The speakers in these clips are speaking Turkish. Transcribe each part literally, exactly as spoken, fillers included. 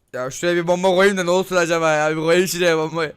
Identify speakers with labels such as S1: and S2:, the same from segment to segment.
S1: Ya şuraya bir bomba koyayım da ne olsun acaba ya? Bir koyayım şuraya bombayı.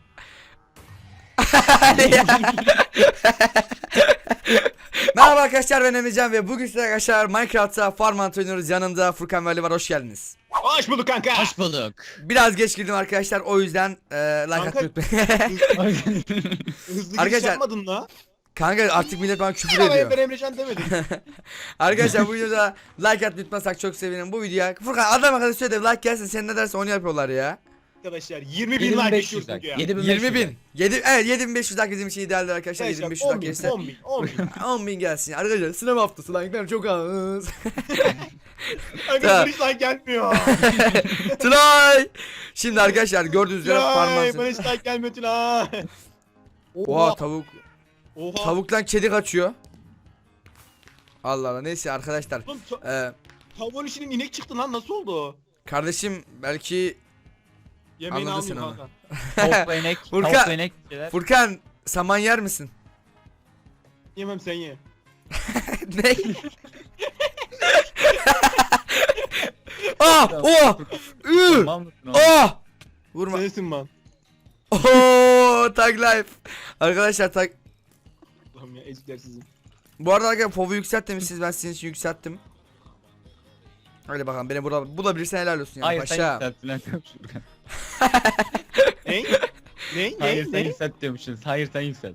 S1: Merhaba arkadaşlar, ben Emircan ve bugün size arkadaşlar Minecraft'ta Farmant oynuyoruz. Yanımda Furkan ve Ali var, hoş geldiniz.
S2: Hoş bulduk kanka.
S3: Hoş bulduk.
S1: Biraz geç girdim arkadaşlar, o yüzden e, like
S2: Kanka-
S1: atmayı unutmayın.
S2: Hızlı giriş
S1: Arkadaşlar-
S2: yapmadın la.
S1: Kanka artık millet bana küfür
S2: Ya ben
S1: ediyor.
S2: Emrecan demedim.
S1: Arkadaşlar bu videoda like atmayı unutmasak çok sevinirim. Bu videoya Furkan adam akıllı söyle de like gelsin, sen ne dersen onu yapıyorlar ya.
S2: Arkadaşlar yirmi bin like geçiyoruz bugün ya.
S1: yirmi bin. yedi, evet yedi bin beş yüz like bizim için idealdir arkadaşlar. yedi bin beş yüz like
S2: on bin,
S1: gelirse
S2: on bin, on bin.
S1: on bin gelsin arkadaşlar. Sınav haftası like'lar çok az.
S2: Arkadaşlar hiç like gelmiyor.
S1: Tülay. Şimdi arkadaşlar gördüğünüz üzere
S2: Tülay, bana
S1: parmağınızı.
S2: hiç like gelmiyor Tülay.
S1: Oha tavuk.
S2: Oha.
S1: Tavuktan kedi kaçıyor. Allah Allah, neyse arkadaşlar.
S2: Oğlum, ta-
S1: Ee,
S2: tavuğun içinden inek çıktı lan, nasıl oldu?
S1: kardeşim belki
S2: Yemeğini
S1: Anladın sen
S2: almayayım
S1: onu.
S2: kanka.
S3: Tavuk ve inek.
S1: Furkan-
S3: Tavuk ve inek şeyler.
S1: Furkan saman yer misin?
S2: Yemem, sen ye.
S1: Ne? Ah! Oh! Ü!
S3: Tamam mısın oğlum?
S1: Ah! Vurma.
S2: Sensin lan.
S1: Oo, tag life. Arkadaşlar tag.
S2: Allah'ım ya, ezikler sizin.
S1: Bu arada arkadaşlar P O V'u yükselt demişsiniz, ben sizin için yükselttim. Hadi bakalım, beni burada bulabilirsen helal olsun ya
S3: Hayır sen
S1: paşa.
S3: yükselt Bülent Furkan.
S2: Ne? Ne?
S3: Hayır
S2: Ne?
S3: sen
S2: Ne?
S3: yükselt diyormuşsun. Hayır sen yükselt.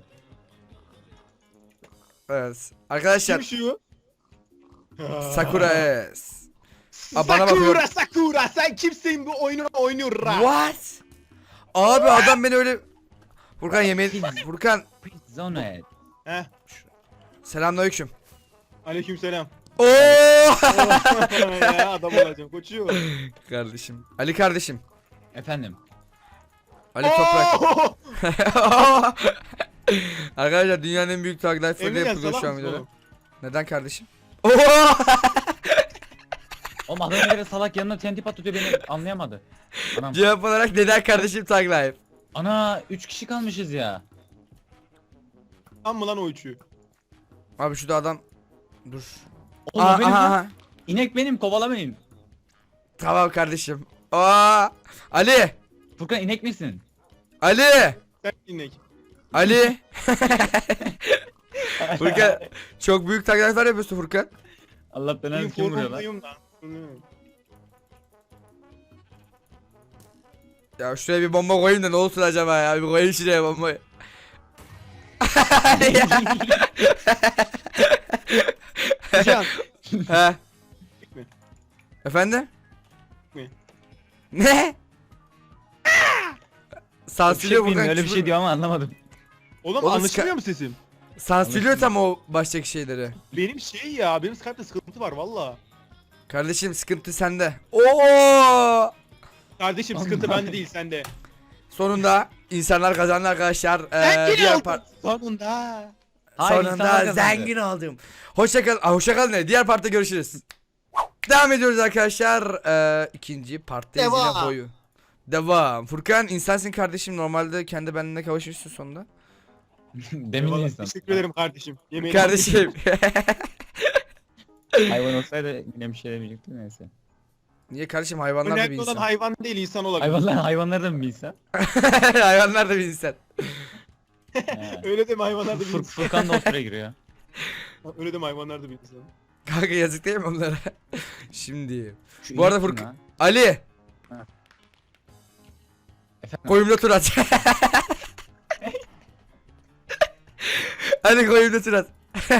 S1: Evet. Arkadaşlar
S2: Kim şu?
S1: Sakura S. Aa, bana bakıyor.
S2: Sakura Sakura, sen kimsin bu oyunu oynuyor ra?
S1: What? Abi adam beni öyle. Furkan yemeği. Furkan
S3: Zone et.
S2: Heh.
S1: selamünaleyküm.
S2: Aleykümselam.
S1: Oo!
S2: Ya adam olacağım koçum.
S1: Kardeşim. Ali kardeşim.
S3: Efendim.
S1: Ali Toprak.
S2: Oo!
S1: Arkadaşlar dünyanın en büyük tag life
S2: Emrecan,
S1: yapılıyor
S2: salak
S1: şu an
S2: mısın
S1: videoda.
S2: oğlum?
S1: Neden kardeşim? Oo!
S3: Oğlum adam bir kere salak yanına T N T patlatıyor, beni anlayamadı. Anam.
S1: Cevap olarak neden kardeşim tag life?
S3: Ana üç kişi kalmışız ya.
S2: Tam mı lan o üçü?
S1: Abi şurada adam. Dur.
S3: Oğlum
S1: Aa,
S3: benim
S1: aha,
S3: lan.
S1: aha.
S3: İnek benim, kovalamayın.
S1: Tamam kardeşim. Aa! Ali!
S3: Furkan inek misin?
S2: Sen
S1: Ali!
S2: inek.
S1: Ali! Furkan çok büyük tag life'lar yapıyorsun Furkan.
S3: Allah belanı, kim vuruyor lan?
S2: Informluyum lan.
S1: Ya şuraya bir bomba koyayım da ne olsun acaba ya? Bir koyayım şuraya bombayı.
S2: Can.
S1: He.
S2: Mi?
S1: Efendim?
S2: Mi?
S1: Ne? Sansürlüyor
S3: Öyle
S1: Furkan.
S3: öyle bir
S1: küfür-
S3: şey diyor ama anlamadım.
S2: Oğlum,
S1: Oğlum,
S2: anlaşılmıyor
S1: ska-
S2: mu sesim?
S1: Sansürlüyor tam o baştaki şeyleri.
S2: Benim şey ya, benim Skype'da sıkıntı var valla.
S1: Kardeşim sıkıntı sende. Oo!
S2: Kardeşim sıkıntı bende değil, sende.
S1: Sonunda insanlar kazandı arkadaşlar. Ee, diğer par-
S2: Sonunda.
S3: Hayır,
S1: Sonunda
S3: insanlar kazandı.
S1: zengin oldum. Hoşça kal. Aa, hoşça kal ne? Diğer partta görüşürüz. Devam ediyoruz arkadaşlar. Ee, ikinci parttayız yine
S2: Devam.
S1: boyu. Devam. Furkan insansın kardeşim. Normalde kendi benimle kavuşmuşsun sonunda.
S3: Demin
S2: Eyvallah,
S3: insan.
S2: teşekkür ederim kardeşim. Yemeğini
S1: Kardeşim.
S3: Hayvan olsaydı yine bir şey demeyecektim, neyse.
S1: Niye kardeşim, hayvanlar da bir
S2: Önemli olan
S1: insan.
S2: hayvan değil, insan olabilir.
S3: Hayvanlar hayvanlar da mı bir insan?
S1: Hayvanlar da bir insan.
S3: He.
S2: Öyle deme, hayvanlar da bir
S3: Fur-
S2: insan.
S3: Furkan da o süre giriyor.
S2: Öyle deme, hayvanlar da bir insan.
S1: Kanka yazık değil mi onlara? Şimdi.
S3: Şu
S1: Bu arada
S3: inek kim
S1: Furkan-
S3: lan?
S1: Ali.
S3: Efendim?
S1: Koyumda tur at. Hadi koyumda tur at.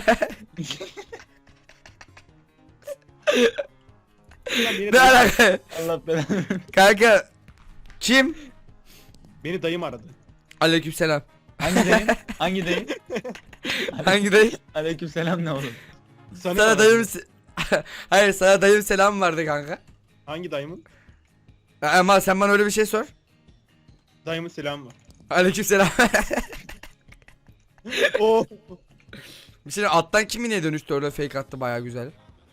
S2: Ulan beni,
S1: Ne
S2: dayım,
S1: alaka?
S3: Allah belanı.
S1: Kanka. Kim?
S2: beni dayım aradı.
S1: Aleykümselam.
S3: Hangi dayın? Hangi dayın?
S1: Hangi dayı?
S3: Aleykümselam ne oğlum?
S2: Sana,
S1: Sana
S2: aradı.
S1: dayım se- Hayır, sana dayım selam vardı kanka.
S2: Hangi dayımın?
S1: Ama sen bana öyle bir şey sor.
S2: Dayımın selamı var.
S1: Aleykümselam.
S2: Oo.
S1: Bir şey alttan kimi niye dönüştü orada, fake attı baya güzel.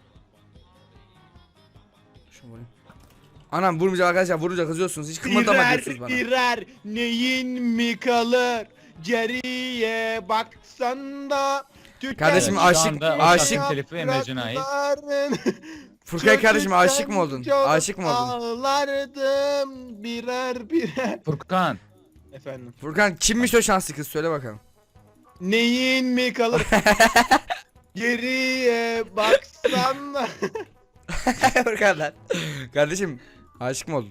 S1: Şunu vurayım. Anam vurmayacağım arkadaşlar, vurunca kızıyorsunuz, hiç kımıldama
S2: Birer
S1: diyorsunuz bana.
S2: birer neyin mi kalır? Geriye baksan da.
S1: Kardeşim,
S3: Evet,
S1: aşık-
S3: şu anda o
S1: aşık-
S3: şarkının telifi Emrecan'a ait.
S2: yaprakların
S1: Furkan kardeşim aşık
S2: Çocukken
S1: mı oldun?
S2: çok
S1: Aşık mı oldun?
S2: Ağlardım birer birer.
S3: Furkan.
S2: Efendim.
S1: Furkan kimmiş o şanslı kız söyle bakalım.
S2: Neyin mi kalır? Geriye baksana.
S1: Furkan lan. Kardeşim aşık mı oldun?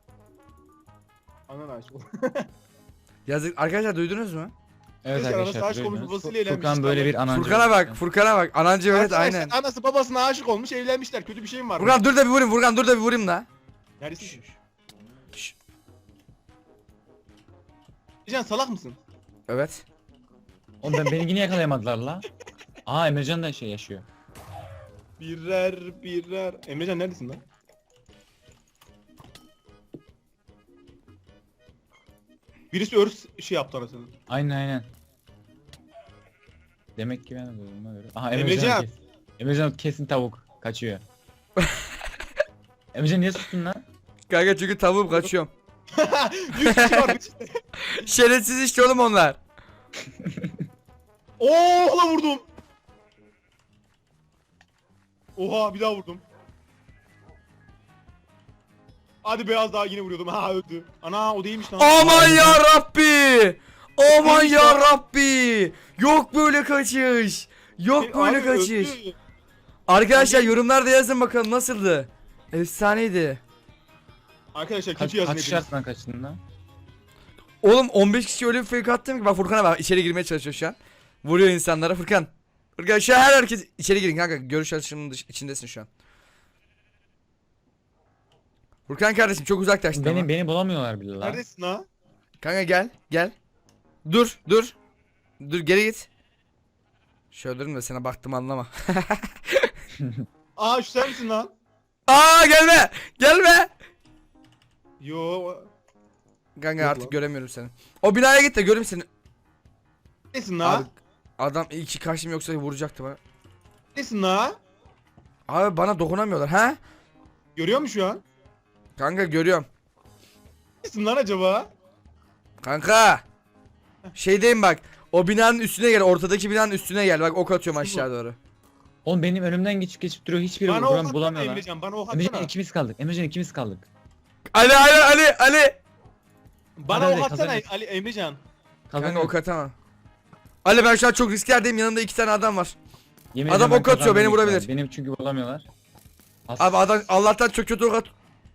S2: Anan aşk oldu.
S1: Yazık arkadaşlar duydunuz mu?
S3: Evet
S2: Keşke
S3: arkadaşlar.
S2: anası aşık
S3: duydunuz.
S2: olmuş, babasıyla evlenmiş
S3: Furkan
S2: işte
S3: böyle
S2: adam.
S3: bir anancı.
S1: Furkan'a bak, Furkan'a bak. Anancı evet
S2: Arkadaşlar,
S1: aynen.
S2: Anası babasına aşık olmuş, evlenmişler. Kötü bir şey mi var?
S1: Furkan dur da bir vurayım, Furkan dur da bir vurayım da.
S2: Neredesin?
S1: Şşş.
S2: Can salak mısın?
S1: Evet.
S3: Oğlum ben beni yine yakalayamadılar la. Aa Emrecan da şey yaşıyor.
S2: Birer birer. Emrecan neredesin lan? Birisi örs şey yaptı arasını.
S3: Aynen aynen. Demek ki ben de duyduğuma göre. Aha
S2: Emrecan.
S3: Emrecan. Kes. Emrecan kesin tavuk. Kaçıyor. Emrecan niye sustun lan?
S1: Kanka çünkü tavuğum kaçıyorum.
S2: Yüz kişi var.
S1: Şerefsiz işte oğlum onlar.
S2: Oo la vurdum. Oha bir daha vurdum. Hadi beyaz daha yine vuruyordum. Ha öldü. Ana o değilmiş lan.
S1: Aman ya Rabbi. Aman
S2: Neymiş
S1: ya
S2: lan?
S1: Rabbi. Yok böyle kaçış. Yok
S2: E,
S1: böyle
S2: abi
S1: kaçış.
S2: öldü.
S1: Arkadaşlar yorumlarda yazın bakalım nasıldı? Efsaneydi.
S2: Arkadaşlar
S3: Kaç,
S2: kötü yazın
S3: kaç
S2: hepiniz.
S3: şarttan kaçtın lan?
S1: Oğlum on beş kişi öyle bir fake attım ki bak Furkan'a bak içeri girmeye çalışıyor şu an. Vuruyor insanlara Furkan. Furkan şu an her herkes içeri girin kanka görüş açısının dış- içindesin şu an. Furkan kardeşim çok uzaklaştın
S3: Beni
S1: ama.
S3: beni bulamıyorlar bile lan.
S2: Neredesin ha?
S1: Kanka gel gel. Dur dur. Dur geri git. Şöyle durayım da sana baktım anlama.
S2: Aa şu sen misin lan?
S1: Aa gelme gelme.
S2: Yo.
S1: Kanka
S2: Yok
S1: artık
S2: lan.
S1: göremiyorum seni. O binaya git de göreyim seni.
S2: Neredesin la?
S1: Abi, adam iyi ki karşım yoksa vuracaktı bana.
S2: Neredesin la?
S1: Abi bana dokunamıyorlar ha?
S2: Görüyor musun şu an?
S1: Kanka görüyorum.
S2: Neredesin lan acaba?
S1: Kanka. Şeydeyim bak. O binanın üstüne gel. Ortadaki binanın üstüne gel. Bak ok atıyorum
S2: Şu
S1: aşağı doğru.
S3: Oğlum benim önümden geçip geçip duruyor. Hiçbiri
S2: Bana o
S3: buram
S2: hatsana
S3: bulamıyorlar.
S2: Emrecan, bana o
S3: Emrecan
S2: hatsana.
S3: ikimiz kaldık. Emrecan ikimiz kaldık.
S1: Ali Ali Ali Ali.
S2: Bana
S3: Hadi
S2: o
S3: hadi,
S2: hatsana
S3: kazanırız.
S2: Ali Emrecan.
S1: Kanka ok atamam. Ali ben şu an çok riskli yerdeyim. Yanımda iki tane adam var.
S3: Yemin
S1: Adam
S3: ediyorum ben
S1: ok atıyor, beni
S3: kazandım
S1: vurabilir.
S3: lütfen. Benim çünkü bulamıyorlar. As-
S1: Abi adam Allah'tan çok kötü ok at.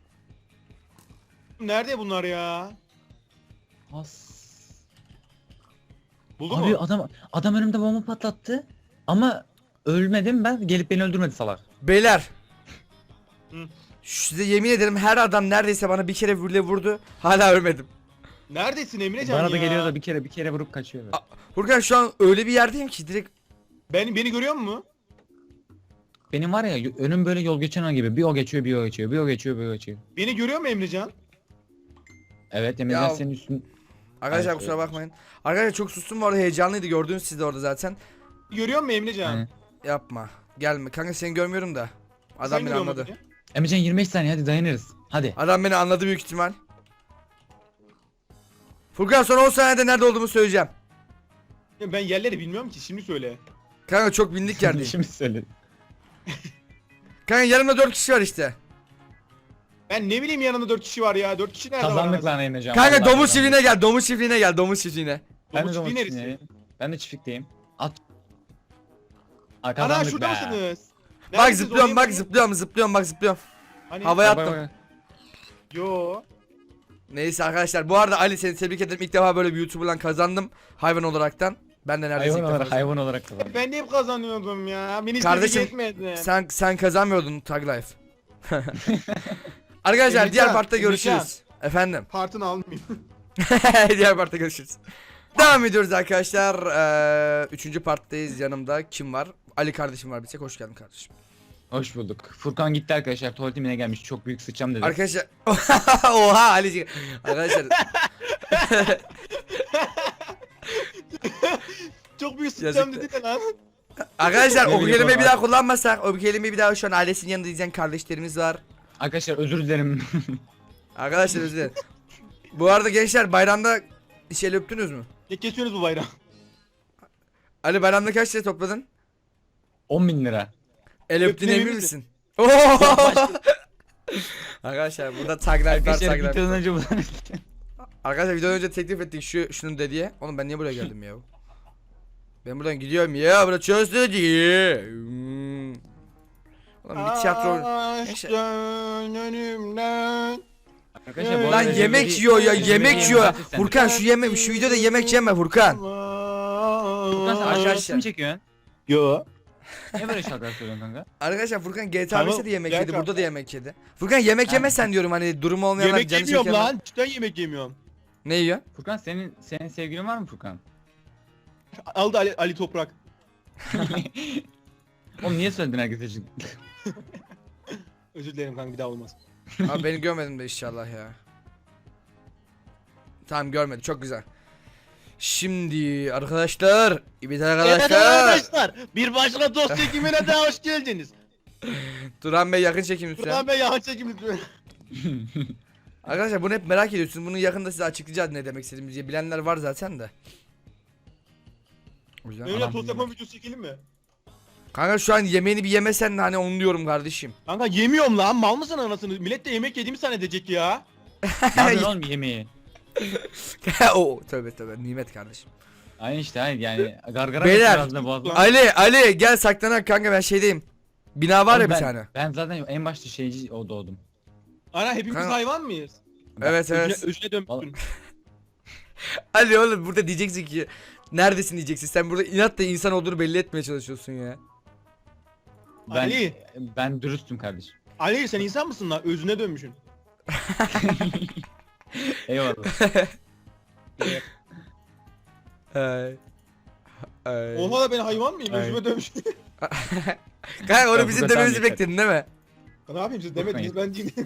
S2: Nerede bunlar ya?
S3: As.
S2: Buldu
S3: Abi
S2: mu?
S3: adam adam önümde bomba patlattı. Ama ölmedim ben. Gelip beni öldürmedi salak.
S1: Beyler.
S2: Hı.
S1: Size yemin ederim her adam neredeyse bana bir kere vurdu vurdu. Hala ölmedim.
S2: Neredesin Emrecan
S3: Bana
S2: ya?
S3: da geliyor da bir kere bir kere vurup kaçıyor. böyle.
S1: A- Furkan şu an öyle bir yerdeyim ki direkt.
S2: Ben, beni görüyor musun?
S3: Benim var ya y- önüm böyle yol geçen an gibi. Bir o geçiyor, bir o geçiyor, bir o geçiyor, bir o geçiyor.
S2: Beni görüyor mu Emrecan?
S3: Evet Emrecan
S1: Ya-
S3: senin üstün.
S1: Arkadaşlar
S3: Ay,
S1: kusura
S3: evet.
S1: bakmayın. Arkadaşlar çok sustum bu arada heyecanlıydı gördünüz siz de orada zaten.
S2: Görüyor mu Emrecan?
S3: Aynen.
S1: Yapma. Gelme. Kanka seni görmüyorum da.
S2: Sen
S1: Adam beni
S2: görüyor musun
S1: anladı.
S2: beni?
S3: Emrecan yirmi beş saniye hadi dayanırız. Hadi.
S1: Adam beni anladı büyük ihtimal. Furkan son on saniyede nerede olduğumu söyleyeceğim.
S2: Ya ben yerleri bilmiyorum ki, şimdi söyle.
S1: Kanka çok bindik yerdeyim.
S3: Şimdi söyle.
S1: Kanka yanımda dört kişi var işte.
S2: Ben ne bileyim yanında dört kişi var ya. Dört kişi nerede var?
S3: Kazandık
S2: anasını?
S3: lan Emrecan.
S1: Kanka
S3: vallahi
S1: domuz
S3: kazandık.
S1: çiftliğine gel. Domuz çiftliğine gel. Domuz çiftliğine.
S3: Ben de
S2: Domuz
S3: domuz
S2: çiftliği
S3: çiftliğindeyim. Ben de çiftlikteyim. At. Aa,
S2: Ana
S3: kazandık
S2: şurada
S3: be.
S2: mısınız?
S1: Bak
S2: Neredesiniz?
S1: zıplıyorum
S2: Oraya
S1: bak
S2: bakın.
S1: zıplıyorum zıplıyorum bak zıplıyorum.
S2: Hani-
S1: Havaya
S3: Bak, bak,
S1: attım.
S3: bak.
S2: Yo.
S1: Neyse arkadaşlar bu arada Ali seni tebrik ederim. İlk defa böyle bir YouTuber'dan kazandım. Hayvan olaraktan. Ben de neredeyse
S3: Hayvan
S1: ilk defa
S3: olarak,
S1: kazandım.
S3: hayvan olarak kazandık.
S2: Ben de hep kazanıyordum ya. Beni
S1: Kardeşim,
S2: Kardeşim, etmedi.
S1: Sen sen kazanmıyordun Tag Life. Arkadaşlar
S2: Emrecan,
S1: diğer partta
S2: Emrecan.
S1: görüşürüz. Efendim.
S2: Partını almayayım.
S1: Diğer partta görüşürüz. Devam ediyoruz arkadaşlar. Ee, üçüncü parttayız. Yanımda kim var? Ali kardeşim var bir tek. Hoş geldin kardeşim.
S3: Hoş bulduk. Furkan gitti arkadaşlar. Tuvaletimine gelmiş. Çok büyük sıçacağım dedi.
S1: Arkadaşlar oha Ali. Arkadaşlar
S2: Çok büyük sıçacağım
S1: Yazık.
S2: dedi de lan.
S1: arkadaşlar o
S3: Ne
S1: kelimeyi
S3: bileyim
S1: bir daha kullanmasak, o kelimeyi bir daha şu an ailesinin yanında izleyen kardeşlerimiz var.
S3: Arkadaşlar özür dilerim.
S1: Arkadaşlar özür dilerim. Bu arada gençler bayramda şey öptünüz mü?
S2: Ne kesiyorsunuz bu bayrağı?
S1: Ali bayramda kaç lira topladın?
S3: on bin lira.
S1: El öptüğüne
S2: Öptün
S1: emin
S2: emin
S1: misin? Oo! Arkadaşlar burada tag life var,
S3: Arkadaşlar
S1: tag life
S3: videodan
S1: var.
S3: önce buradan
S1: Arkadaşlar videodan önce teklif ettik şu şunun dediye. Oğlum ben niye buraya geldim ya? Ben buradan gidiyorum ya. Burada çözdü diye. Hmm. Oğlum bir tiyatro. Neyse.
S2: Aşkın önümden.
S3: Arkadaşlar bu
S1: Lan
S3: arada
S1: yemek
S3: bir-
S1: yiyor ya,
S3: bir-
S1: yemek
S3: bir-
S1: yiyor.
S3: bir-
S1: Furkan şu yeme şu videoda yemek yeme Furkan.
S3: Furkan sen
S1: Arkadaşlar.
S3: aşağısı mı çekiyorsun?
S2: Yo.
S3: Ne böyle şarkılar söylüyorsun kanka?
S1: Arkadaşlar Furkan G T A
S2: Tamam,
S1: beşte de yemek
S2: gel
S1: yedi,
S2: kanka.
S1: burada da yemek yedi. Furkan yemek
S3: Ha.
S1: yemesen diyorum, hani durumu olmayanlar
S2: Yemek
S1: canı
S2: yemiyorum
S1: çekenler.
S2: lan. Cidden yemek yemiyorum.
S1: Ne yiyor?
S3: Furkan senin senin sevgilin var mı Furkan?
S2: Aldı Ali, Ali Toprak.
S3: Oğlum niye söyledin herkese için?
S2: Özür dilerim kanka, bir daha olmaz.
S1: Abi beni görmedim de inşallah ya. Tamam görmedi, çok güzel. Şimdi arkadaşlar, evet
S2: Evet
S1: arkadaşlar.
S2: arkadaşlar, bir başka dost çekimine daha hoş geldiniz.
S1: Turan Bey yakın çekim lütfen.
S2: Buradan ben yağ çekim lütfen.
S1: Arkadaşlar bunu hep merak ediyorsunuz. Bunu yakında size açıklayacağız ne demek istediğimizi diye. Bilenler var zaten de. O yüzden
S2: Öyle
S1: adam
S2: tost
S1: bilmiyor.
S2: yapma videosu çekelim mi?
S1: Kanka şu an yemeğini bir yemesen de hani onu diyorum kardeşim.
S2: Kanka yemiyorum lan, mal mısın anasını? Millet de yemek yediğimi zannedecek ya.
S3: Ne yapıyorsun oğlum yemeği?
S1: o tövbe tövbe nimet kardeşim.
S3: Aynı işte hayır yani gargara
S1: Beyler.
S3: geçiyor ağzına boğazına.
S1: Ali Ali gel saklanak kanka, ben şeydeyim. Bina var ya
S3: Oğlum
S1: bir
S3: ben,
S1: tane.
S3: Ben zaten en başta şeyci o doğdum.
S2: Ana hepimiz
S1: Kanka-
S2: hayvan mıyız?
S1: Evet evet.
S2: Özüne, özüne dönmüşsün.
S1: Ali oğlum burada diyeceksin ki neredesin diyeceksin. Sen burada inatla insan olduğunu belli etmeye çalışıyorsun ya.
S3: Ben
S2: Ali.
S3: ben dürüstüm kardeşim.
S2: Ali sen insan mısın lan? Özüne dönmüşsün.
S3: Eyvallah.
S1: Ay. Ay.
S2: Oha da ben hayvan mıyım?
S3: Ay.
S2: Özüme dönmüşsün.
S1: Kanka onu
S3: Ya
S1: bizim
S3: burada
S1: dememizi
S3: sen yeter.
S1: bekledin değil mi?
S2: Ne yapayım, siz demediniz, ben değilim.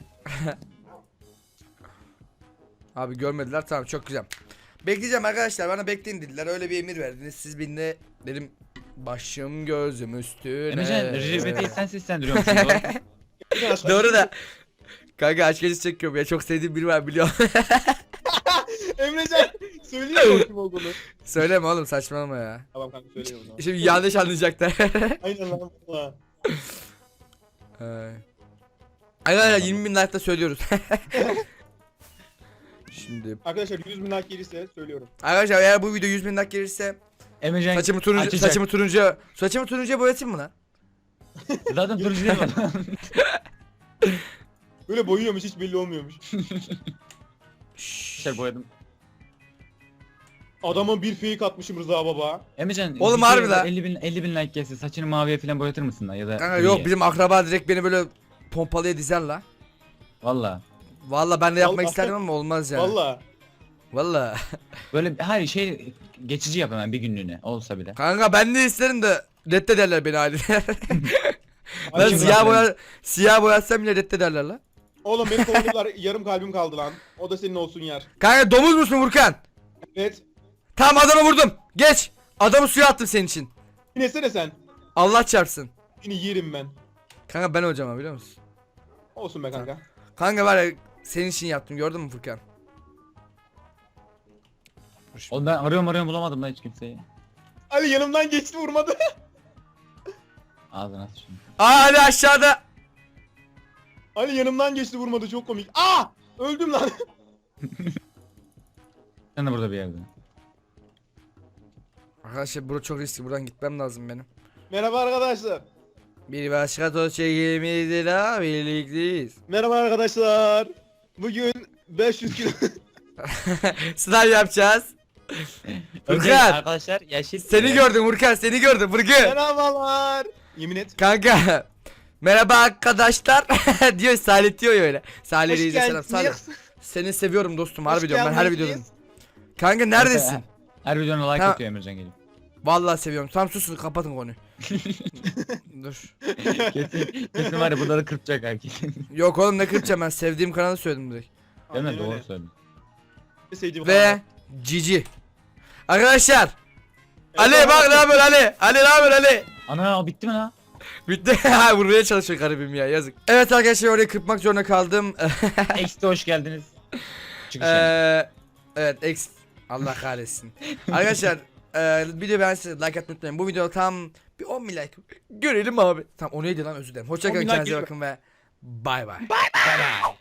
S1: Abi görmediler, tamam çok güzel. Bekleyeceğim arkadaşlar, bana bekleyin dediler, öyle bir emir verdiniz. Siz beni de dedim başım gözüm üstüne.
S3: Emrecan Ribete'yi sen seslendiriyormuşsun doğru.
S2: Arkadaşlar,
S1: Doğru da. Kanka aşk acısı çekiyorum ya, çok sevdiğim biri var biliyorum.
S2: Emrecan söylüyor mu kim olduğunu?
S1: Söyleme oğlum, saçmalama ya.
S2: Tamam kanka söylüyorum. Tamam.
S1: Şimdi yanlış anlayacaklar.
S2: Aynen lan. valla.
S1: Ay. Arkadaşlar yirmi bin like'da söylüyoruz. Şimdi
S2: Arkadaşlar yüz bin like gelirse söylüyorum.
S1: arkadaşlar eğer bu video yüz bin like gelirse
S3: Emrecan
S1: saçımı turuncu
S3: açacak.
S1: saçımı turuncu saçımı turuncuya boyatayım mı lan?
S3: Zaten turuncu değil mi?
S2: Böyle boyuyormuş, hiç belli olmuyormuş.
S3: Şey boyadım.
S2: Adama bir fake atmışım Rıza baba.
S3: Emrecan
S1: Oğlum
S3: videoya
S1: harbi lan.
S3: elli bin elli bin like gelse saçını maviye falan boyatır mısın lan ya da
S1: Kanka
S3: griye?
S1: yok, bizim akraba direkt beni böyle pompalıya dizer la.
S3: Valla.
S1: Valla ben de yapmak
S2: Vallahi.
S1: isterdim ama olmaz yani.
S2: Valla.
S1: Valla.
S3: Böyle her şey geçici yap hemen bir günlüğüne olsa bile.
S1: Kanka ben de isterim de reddederler beni haliyle. Ben
S2: Ay,
S1: siyah
S3: ben-
S1: boya siyah boyatsam bile reddederler la.
S2: Oğlum beni kovaladılar, yarım kalbim kaldı lan. O da senin olsun yer.
S1: Kanka domuz musun Furkan?
S2: Evet.
S1: Tamam adamı vurdum. Geç. Adamı suya attım senin için.
S2: Yine sen.
S1: Allah çarpsın.
S2: Seni yerim ben.
S1: Kanka ben hocam abi biliyor musun?
S2: Olsun be kanka.
S1: Kanka var ya senin için yaptım, gördün mü Furkan?
S3: Oğlum ben arıyorum arıyorum bulamadım lan hiç kimseyi.
S2: Ali yanımdan geçti, vurmadı.
S3: Ağzına at şunu.
S1: Aa hadi aşağıda.
S2: Ali yanımdan geçti, vurmadı, çok komik. Aa! Öldüm lan.
S3: Sen de burada bir yerde.
S1: Arkadaşlar burası çok riskli, buradan gitmem lazım benim.
S2: Merhaba arkadaşlar.
S1: Bir başka toz çekimiydi la, birlikteyiz.
S2: Merhaba arkadaşlar. Bugün beş yüz kilo.
S1: Sınav yapacağız.
S3: Önce
S1: Furkan.
S3: arkadaşlar yeşil.
S1: Seni gördüm Furkan, seni gördüm Furkan.
S2: Merhabalar. Yemin et.
S1: Kanka. Merhaba arkadaşlar diyor, Salih diyor ya öyle. Salih
S2: Hoş
S1: Reis'e selam. Salih.
S2: geldiniz.
S1: Seni seviyorum dostum, harbi
S2: Hoş
S1: diyorum ben her
S2: geldiniz.
S1: videoda. Kanka neredesin?
S3: Her videona like
S1: Tamam.
S3: atıyor Emrecan gelip.
S1: Vallahi seviyorum. Tamam susun, kapatın konuyu. Dur.
S3: Kesin, kesin var ya bunları kırpacak herkes.
S1: Yok oğlum ne kırpacağım, ben sevdiğim kanalı söyledim direkt.
S3: Değil mi?
S2: Aynen
S3: Doğru
S2: öyle.
S3: söyledin.
S2: Sevdiğim
S1: Ve
S2: kanal.
S1: Cici. Arkadaşlar.
S2: Evet,
S1: Ali
S2: tamam.
S1: bak ne yapıyor Ali? Ali ne yapıyor Ali?
S3: Ana o bitti mi lan?
S1: Bitti. Ha vurmaya çalışıyor garibim ya, yazık. Evet arkadaşlar orayı kırpmak zorunda kaldım.
S3: X'de hoş geldiniz. Çıkış yani.
S1: Eee evet ex Allah kahretsin. Arkadaşlar eee video beğendiyseniz like atmayı unutmayın. Bu video tam Bir on bin like. Görelim abi. Tamam o neydi lan, özür dilerim. Hoşçakalın,
S2: on bin like
S1: kendinize
S2: geliyor.
S1: bakın ve bay bay. Bay bay.